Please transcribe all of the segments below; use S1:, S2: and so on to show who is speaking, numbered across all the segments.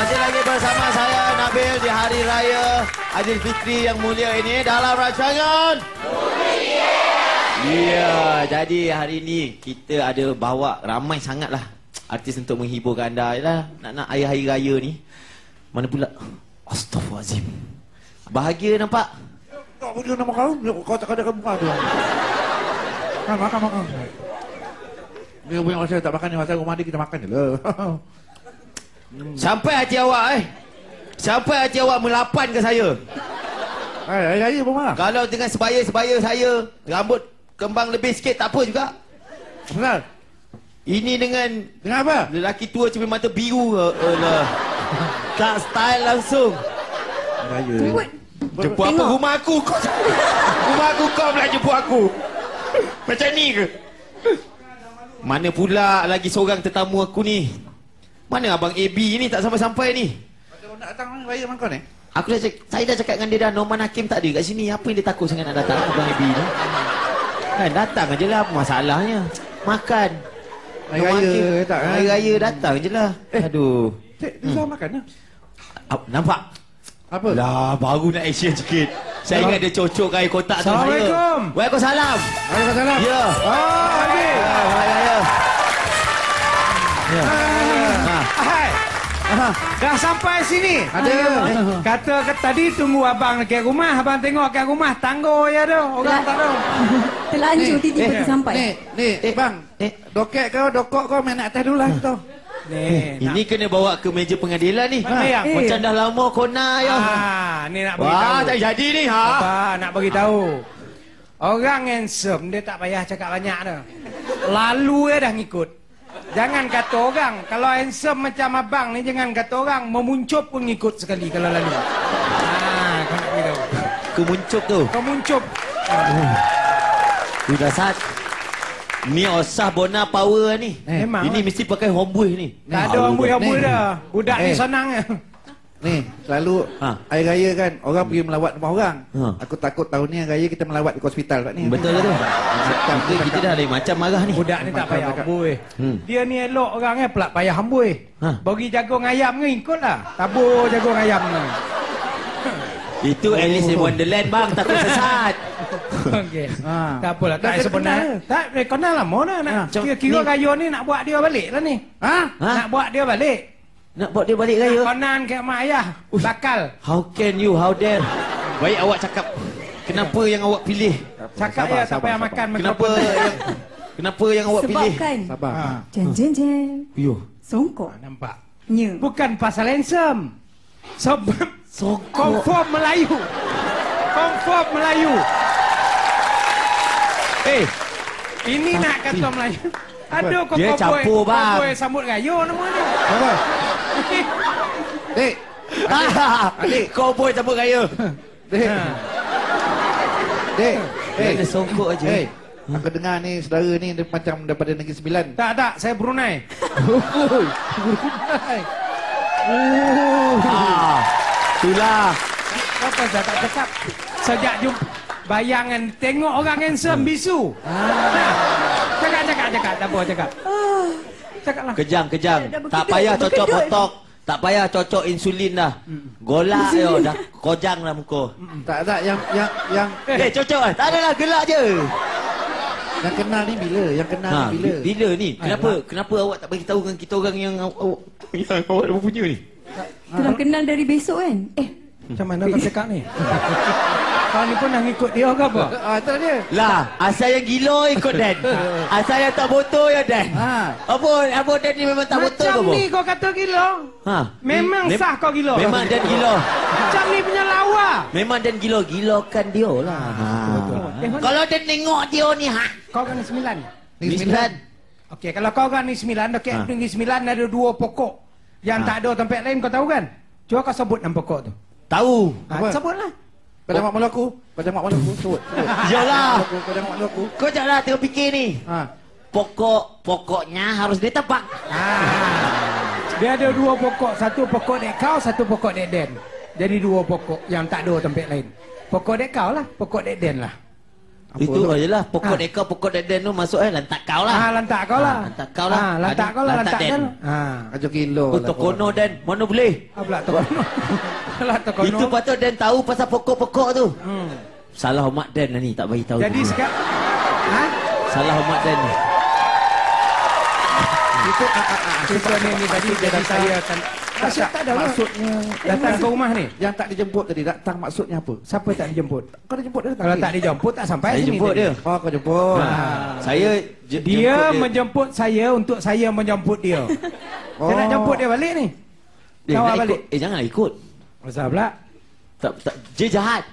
S1: Masih lagi bersama saya Nabil di Hari Raya Aidilfitri yang mulia ini dalam rancangan Ya, jadi hari ini kita ada bawa ramai sangatlah artis untuk menghiburkan anda. Yalah, nak hari raya ni. Mana pula? Astaghfirullahalazim. Bahagia nampak?
S2: Tak boleh nama kau. Kau tak ada muka tu. Makan. Dia punya masa tak makan ni, masa rumah dia kita makan je lah.
S1: Sampai hati awak Sampai hati awak melapan ke saya.
S2: Hari raya pun marah.
S1: Kalau dengan sebaya-sebaya saya rambut kembang lebih sikit tak apa juga.
S2: Kenal?
S1: Ini dengan
S2: apa?
S1: lelaki tua cermin mata biru. Tak style langsung.
S2: Raya.
S1: Jemput apa rumah aku? Rumah aku kau pula jemput aku. Macam ni ke? Mana pula lagi seorang tetamu aku ni? Mana abang AB ni tak sampai-sampai ni?
S2: Macam nak datang raya dengan kau ni?
S1: Saya dah cakap dengan dia dah, Norman Hakim tak ada kat sini. Apa yang dia takut sangat nak datang abang AB ni? Kan datang je lah, apa masalahnya? Makan.
S2: Hari raya tak kan?
S1: Hari raya datang je lah. Aduh.
S2: Cik, dia makan lah.
S1: Nampak?
S2: Apa?
S1: Lah, baru nak action sikit. Saya ingat dia cocok air kotak tu.
S3: Assalamualaikum.
S1: Waalaikumsalam.
S2: Waalaikumsalam.
S1: Ya.
S3: Habis.
S1: Ya. Ya.
S3: Hai. Dah sampai sini.
S2: Ada.
S3: Kata tadi tunggu abang dekat rumah. Abang tengok kat rumah. Tangguh je tu. Orang tak tahu.
S4: Terlanjur tiba-tiba sampai.
S2: Ni, bang. Doket kau, dokok kau main atas dulu lah tu.
S1: Ini kena bawa ke meja pengadilan ni.
S3: Mana yang?
S1: Macam dah lama kona ya.
S3: Ni nak beritahu.
S1: Wah, tak jadi ni ha.
S3: Apa nak beritahu? Orang handsome dia tak payah cakap banyak dah. Lalu dia dah ngikut. Jangan kata orang. Kalau handsome macam abang ni, jangan kata orang. Memuncup pun ngikut sekali kalau lalu. Kau nak beritahu.
S1: Kemuncup tu.
S3: Kau muncup.
S1: Sudah saat. Ni osah Bona power ni.
S3: Memang.
S1: Ini mesti pakai homeboy ni.
S3: Tak ada amboi-amboi dah. Budak ni senang je.
S2: Ni, selalu hari raya kan, orang pergi melawat rumah orang. Aku takut tahun ni hari raya kita melawat di hospital kat ni.
S1: Betul tu. Macam kita dah lain macam marah ni.
S3: Budak ni tak payah amboi. Dia ni elok orang ni pula payah amboi. Bagi jagung ayam ni ikutlah. Tabur jagung ayam ni.
S1: Itu Alice in Wonderland bang, takut sesat.
S3: Okey. Tak apalah, tak sebenar. Tak kenal lama dah nak. Kira raya ni nak buat dia balik lah ni. Nak buat dia balik.
S1: Nak buat dia balik raya.
S3: Konan ke mak ayah. Bakal.
S1: How can you, how dare. Baik awak cakap. Kenapa yang awak pilih?
S3: Cakap ya tak payah makan.
S1: Kenapa yang awak pilih?
S4: Sebab kan
S2: Sabar.
S4: Jen.
S1: Yo.
S4: Songkok.
S3: Nampak.
S4: Nya.
S3: Bukan pasal handsome. Sebab Confirm Melayu. Confirm Melayu. Ini nak kata Melayu. Aduh kau
S1: dia campur bang.
S3: Kau sambut raya nama ni.
S2: Apa? Dek.
S1: Adik, kau boy campur raya.
S2: Dek.
S1: Ada songkok aja.
S2: Aku dengar ni saudara ni dia macam daripada Negeri Sembilan.
S3: Tak, saya Brunei.
S2: Brunei.
S1: Itulah.
S3: Apa dah tak cakap. Sejak jumpa bayangan tengok orang handsome bisu. Cakap. Tak apa cakap. Cakaplah.
S1: Kejang. Tak payah cocok botok. Tak payah cocok insulin dah. Golak yo dah kojang lah muka.
S2: Tak yang
S1: Cocok lah. Tak adalah gelak je.
S2: yang kenal ni bila? Yang kenal ni bila?
S1: Bila ni? Kenapa awak tak bagi tahu dengan kita orang yang awak dah punya ni?
S4: Dalam kenal dari besok kan?
S3: Macam mana kau cakap ni? Kau ni pun nak ikut dia ke apa?
S2: Itulah dia.
S1: Lah, asal yang gila ikut Dan. Asal yang tak botol ya Dan. Apa Dan ni memang tak botol ke apa?
S3: Macam ni kau kata gila. Memang sah kau gila.
S1: Memang Dan gila.
S3: Macam ni punya lawa.
S1: Memang Dan gila. Gilakan dia lah. Kalau Dan tengok dia ni
S3: Kau kan ni 9.
S1: Ni 9.
S3: Okey, kalau kau kan ni 9, dekat Negeri 9 ada 2 pokok yang tak ada tempat lain, kau tahu kan? Cuba kau sebut 6 pokok tu.
S1: Tahu.
S3: Sebutlah.
S2: Pada mak malu aku. Sebut.
S1: Yalah.
S2: Pada mak malu aku.
S1: Kau janganlah tengok fikir ni. Pokoknya harus ditebak.
S3: Dia ada 2 pokok. Satu pokok dek kau, satu pokok dek Den. Jadi 2 pokok yang tak ada tempat lain. Pokok dek kau lah, pokok dek Den lah.
S1: Itu ajalah pokok ekor pokok deden tu masuk lantak kau lah.
S3: Lantak kau lah.
S1: Lantak kau lah.
S3: Lantak kau lah, lantak
S1: den.
S3: den.
S2: Kacau kilo.
S1: Tokono den, mana boleh?
S3: Pula tokono. Lah tokono.
S1: Itu patut den tahu pasal pokok-pokok tu. Salah umat den lah ni, tak bagi tahu.
S3: Jadi sekarang
S1: salah umat den ni.
S3: Itu ni tadi jadi saya akan tak ada maksudnya datang ke rumah ni.
S2: Yang tak dijemput tadi datang maksudnya apa?
S3: Siapa tak dijemput?
S2: Kau dijemput dia.
S3: Kalau tak dijemput tak sampai
S1: Saya
S3: sini.
S1: jemput dia.
S2: Oh, kau jemput.
S1: Saya
S3: Dia menjemput saya untuk saya menjemput dia. Saya nak jemput dia balik ni. Kau balik.
S1: Janganlah ikut.
S3: Masa pula?
S1: Tak, dia jahat.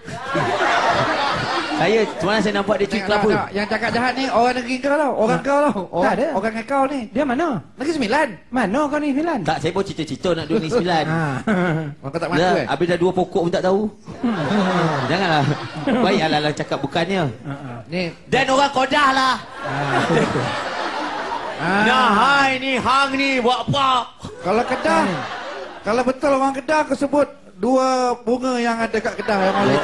S1: Semalam saya nampak dia cuit kelapa.
S2: Yang cakap jahat ni orang negeri kau tau. Orang kau tau.
S3: Tak ada.
S2: Orang kau ni.
S3: Dia mana?
S2: Negeri Sembilan.
S3: Mana kau ni Filan?
S1: Tak, saya pun cerita-cerita nak duduk ni 9.
S2: Orang kau tak masuk
S1: Habis dah 2 pokok pun tak tahu. Janganlah. Baik ala-ala cakap bukannya.
S2: Ni.
S1: Dan orang Kodah lah. Nah, hai ni hang ni buat apa?
S2: Kalau Kedah. Kalau betul orang Kedah kau sebut 2 bunga yang ada kat Kedah yang Malik.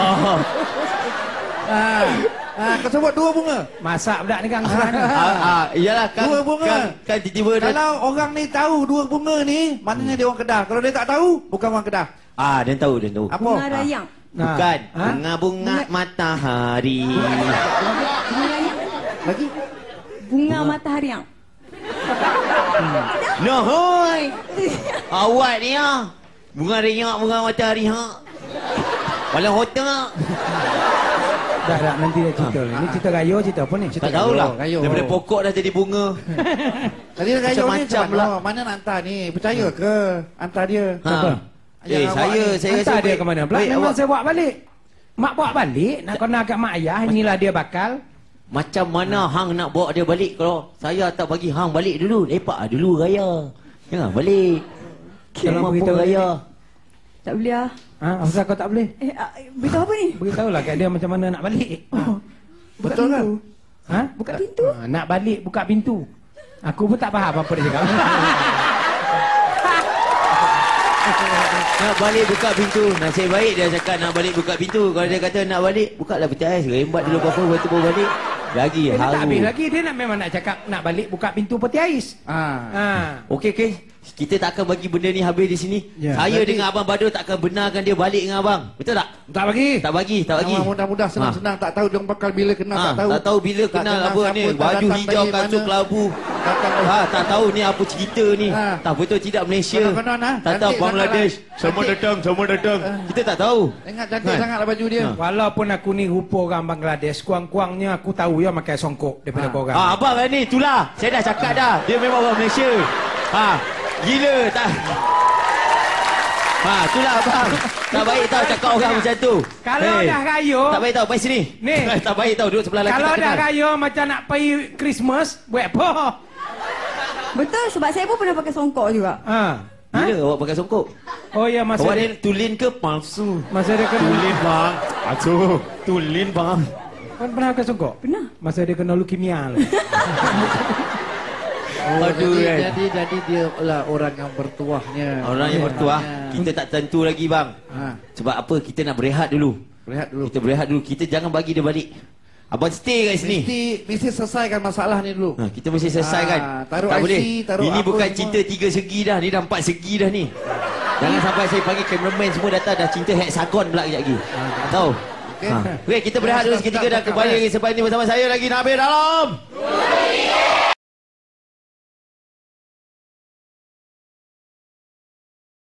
S2: Kau sebut 2 bunga.
S3: Masak budak ni gang sana.
S1: Iyalah kan.
S2: 2 bunga.
S1: Kan tiba-tiba
S2: Kalau orang ni tahu 2 bunga ni, maknanya dia orang Kedah. Kalau dia tak tahu, bukan orang Kedah.
S1: dia tahu.
S2: Apa?
S4: Bunga rayang.
S1: Bukan. Bunga-bunga matahari.
S4: Bunga rayang.
S2: Lagi?
S4: Bunga matahari yang.
S1: No, hoi. Awak ni bunga rayang, bunga matahari Walau hotel.
S3: Dah nanti dia cerita ni. Ni cerita gayo cerita apa ni?
S1: Tak tahulah.
S2: Gayo.
S1: Daripada pokok dah jadi bunga.
S2: Tadi gayo ni
S1: Macam-macam
S2: macam mana nak hantar ni? Percaya ke? Hantar dia.
S3: Siapa?
S1: Saya
S3: Hantar
S1: rasa
S3: dia ke mana pula? Memang saya bawa balik. Mak bawa balik. Nak kena kat mak ayah. Inilah dia bakal.
S1: Macam mana hang nak bawa dia balik kalau saya tak bagi hang balik dulu. Lepak dulu raya. Jangan balik.
S3: Kalau
S1: Kemah
S3: beritahu
S1: pun raya.
S4: Tak boleh lah.
S3: Asal kau tak boleh?
S4: Beritahu apa ni?
S3: Beritahulah kat dia macam mana nak balik.
S4: Buka
S2: Betul
S4: pintu.
S3: Buka
S4: pintu?
S3: Nak balik buka pintu. Aku pun tak faham apa dia cakap.
S1: Nak balik buka pintu. Nasib baik dia cakap nak balik buka pintu. Kalau dia kata nak balik, buka lah peti ais. Rembat dulu apa lepas tu baru balik. Lagi
S3: Dia tak
S1: haru.
S3: habis lagi. Dia nak memang nak cakap nak balik buka pintu peti ais.
S1: Okey. Kita tak akan bagi benda ni habis di sini.
S3: Ya.
S1: Saya dengan Abang Badul tak akan benarkan dia balik dengan Abang. Betul tak?
S2: Tak bagi.
S1: Tak bagi.
S2: Mudah-mudah senang-senang. Tak tahu dia bakal bila kenal. Tak tahu.
S1: Tak tahu bila
S2: Tak
S1: kenal
S2: kenal
S1: apa
S2: siapa,
S1: ni.
S2: tak
S1: Baju
S2: datang
S1: hijau,
S2: dari
S1: kasut
S2: mana.
S1: kelabu. Tak tahu ni apa cerita ni. Tak betul tidak Malaysia.
S2: Konon-konon,
S1: Tak tahu
S2: cantik
S1: Bangladesh.
S2: sangatlah.
S1: Semua datang. Kita tak tahu.
S2: Ingat cantik sangatlah baju dia.
S3: Walaupun aku ni rupa orang Bangladesh, kurang-kurangnya aku tahu ya makai songkok daripada korang.
S1: Abang kan ni, itulah. Saya dah cakap dah. Dia memang orang Malaysia. Gila tak? Itulah abang. Tak baik tau cakap orang macam tu.
S3: Kalau dah raya,
S1: Tak baik tau, pergi sini.
S3: Ni.
S1: Tak baik tau, duduk sebelah lelaki
S3: kalau
S1: tak
S3: dah
S1: kenal.
S3: raya macam nak pergi Christmas, buat apa?
S4: Betul sebab saya pun pernah pakai songkok juga.
S1: Bila awak pakai songkok?
S3: Oh ya, masa
S1: Awak
S3: dia,
S1: ni tulin ke palsu?
S3: masa dia kena
S1: bang. Aduh, tulin bang.
S3: Kau pernah pakai songkok?
S4: Pernah.
S3: Masa dia kena leukemia lah.
S1: Aduh,
S2: jadi dia lah orang yang bertuahnya.
S1: Orang yang bertuah, kita tak tentu lagi bang. Sebab apa? Kita nak berehat dulu. Kita berehat dulu. Kita jangan bagi dia balik. Abang stay kat sini.
S2: Mesti selesaikan masalah ni dulu.
S1: Kita mesti selesaikan.
S2: Taruh
S1: tak
S2: IC,
S1: boleh.
S2: taruh
S1: Ini
S2: apa
S1: bukan
S2: semua.
S1: cinta 3 segi dah. Ni dah 4 segi dah ni. Jangan sampai saya panggil cameraman semua datang dah cinta hexagon pula kejap lagi. Tahu? Okey, kita berehat dulu seketika dan kembali lagi sebab ini bersama saya lagi Nabil Dalam.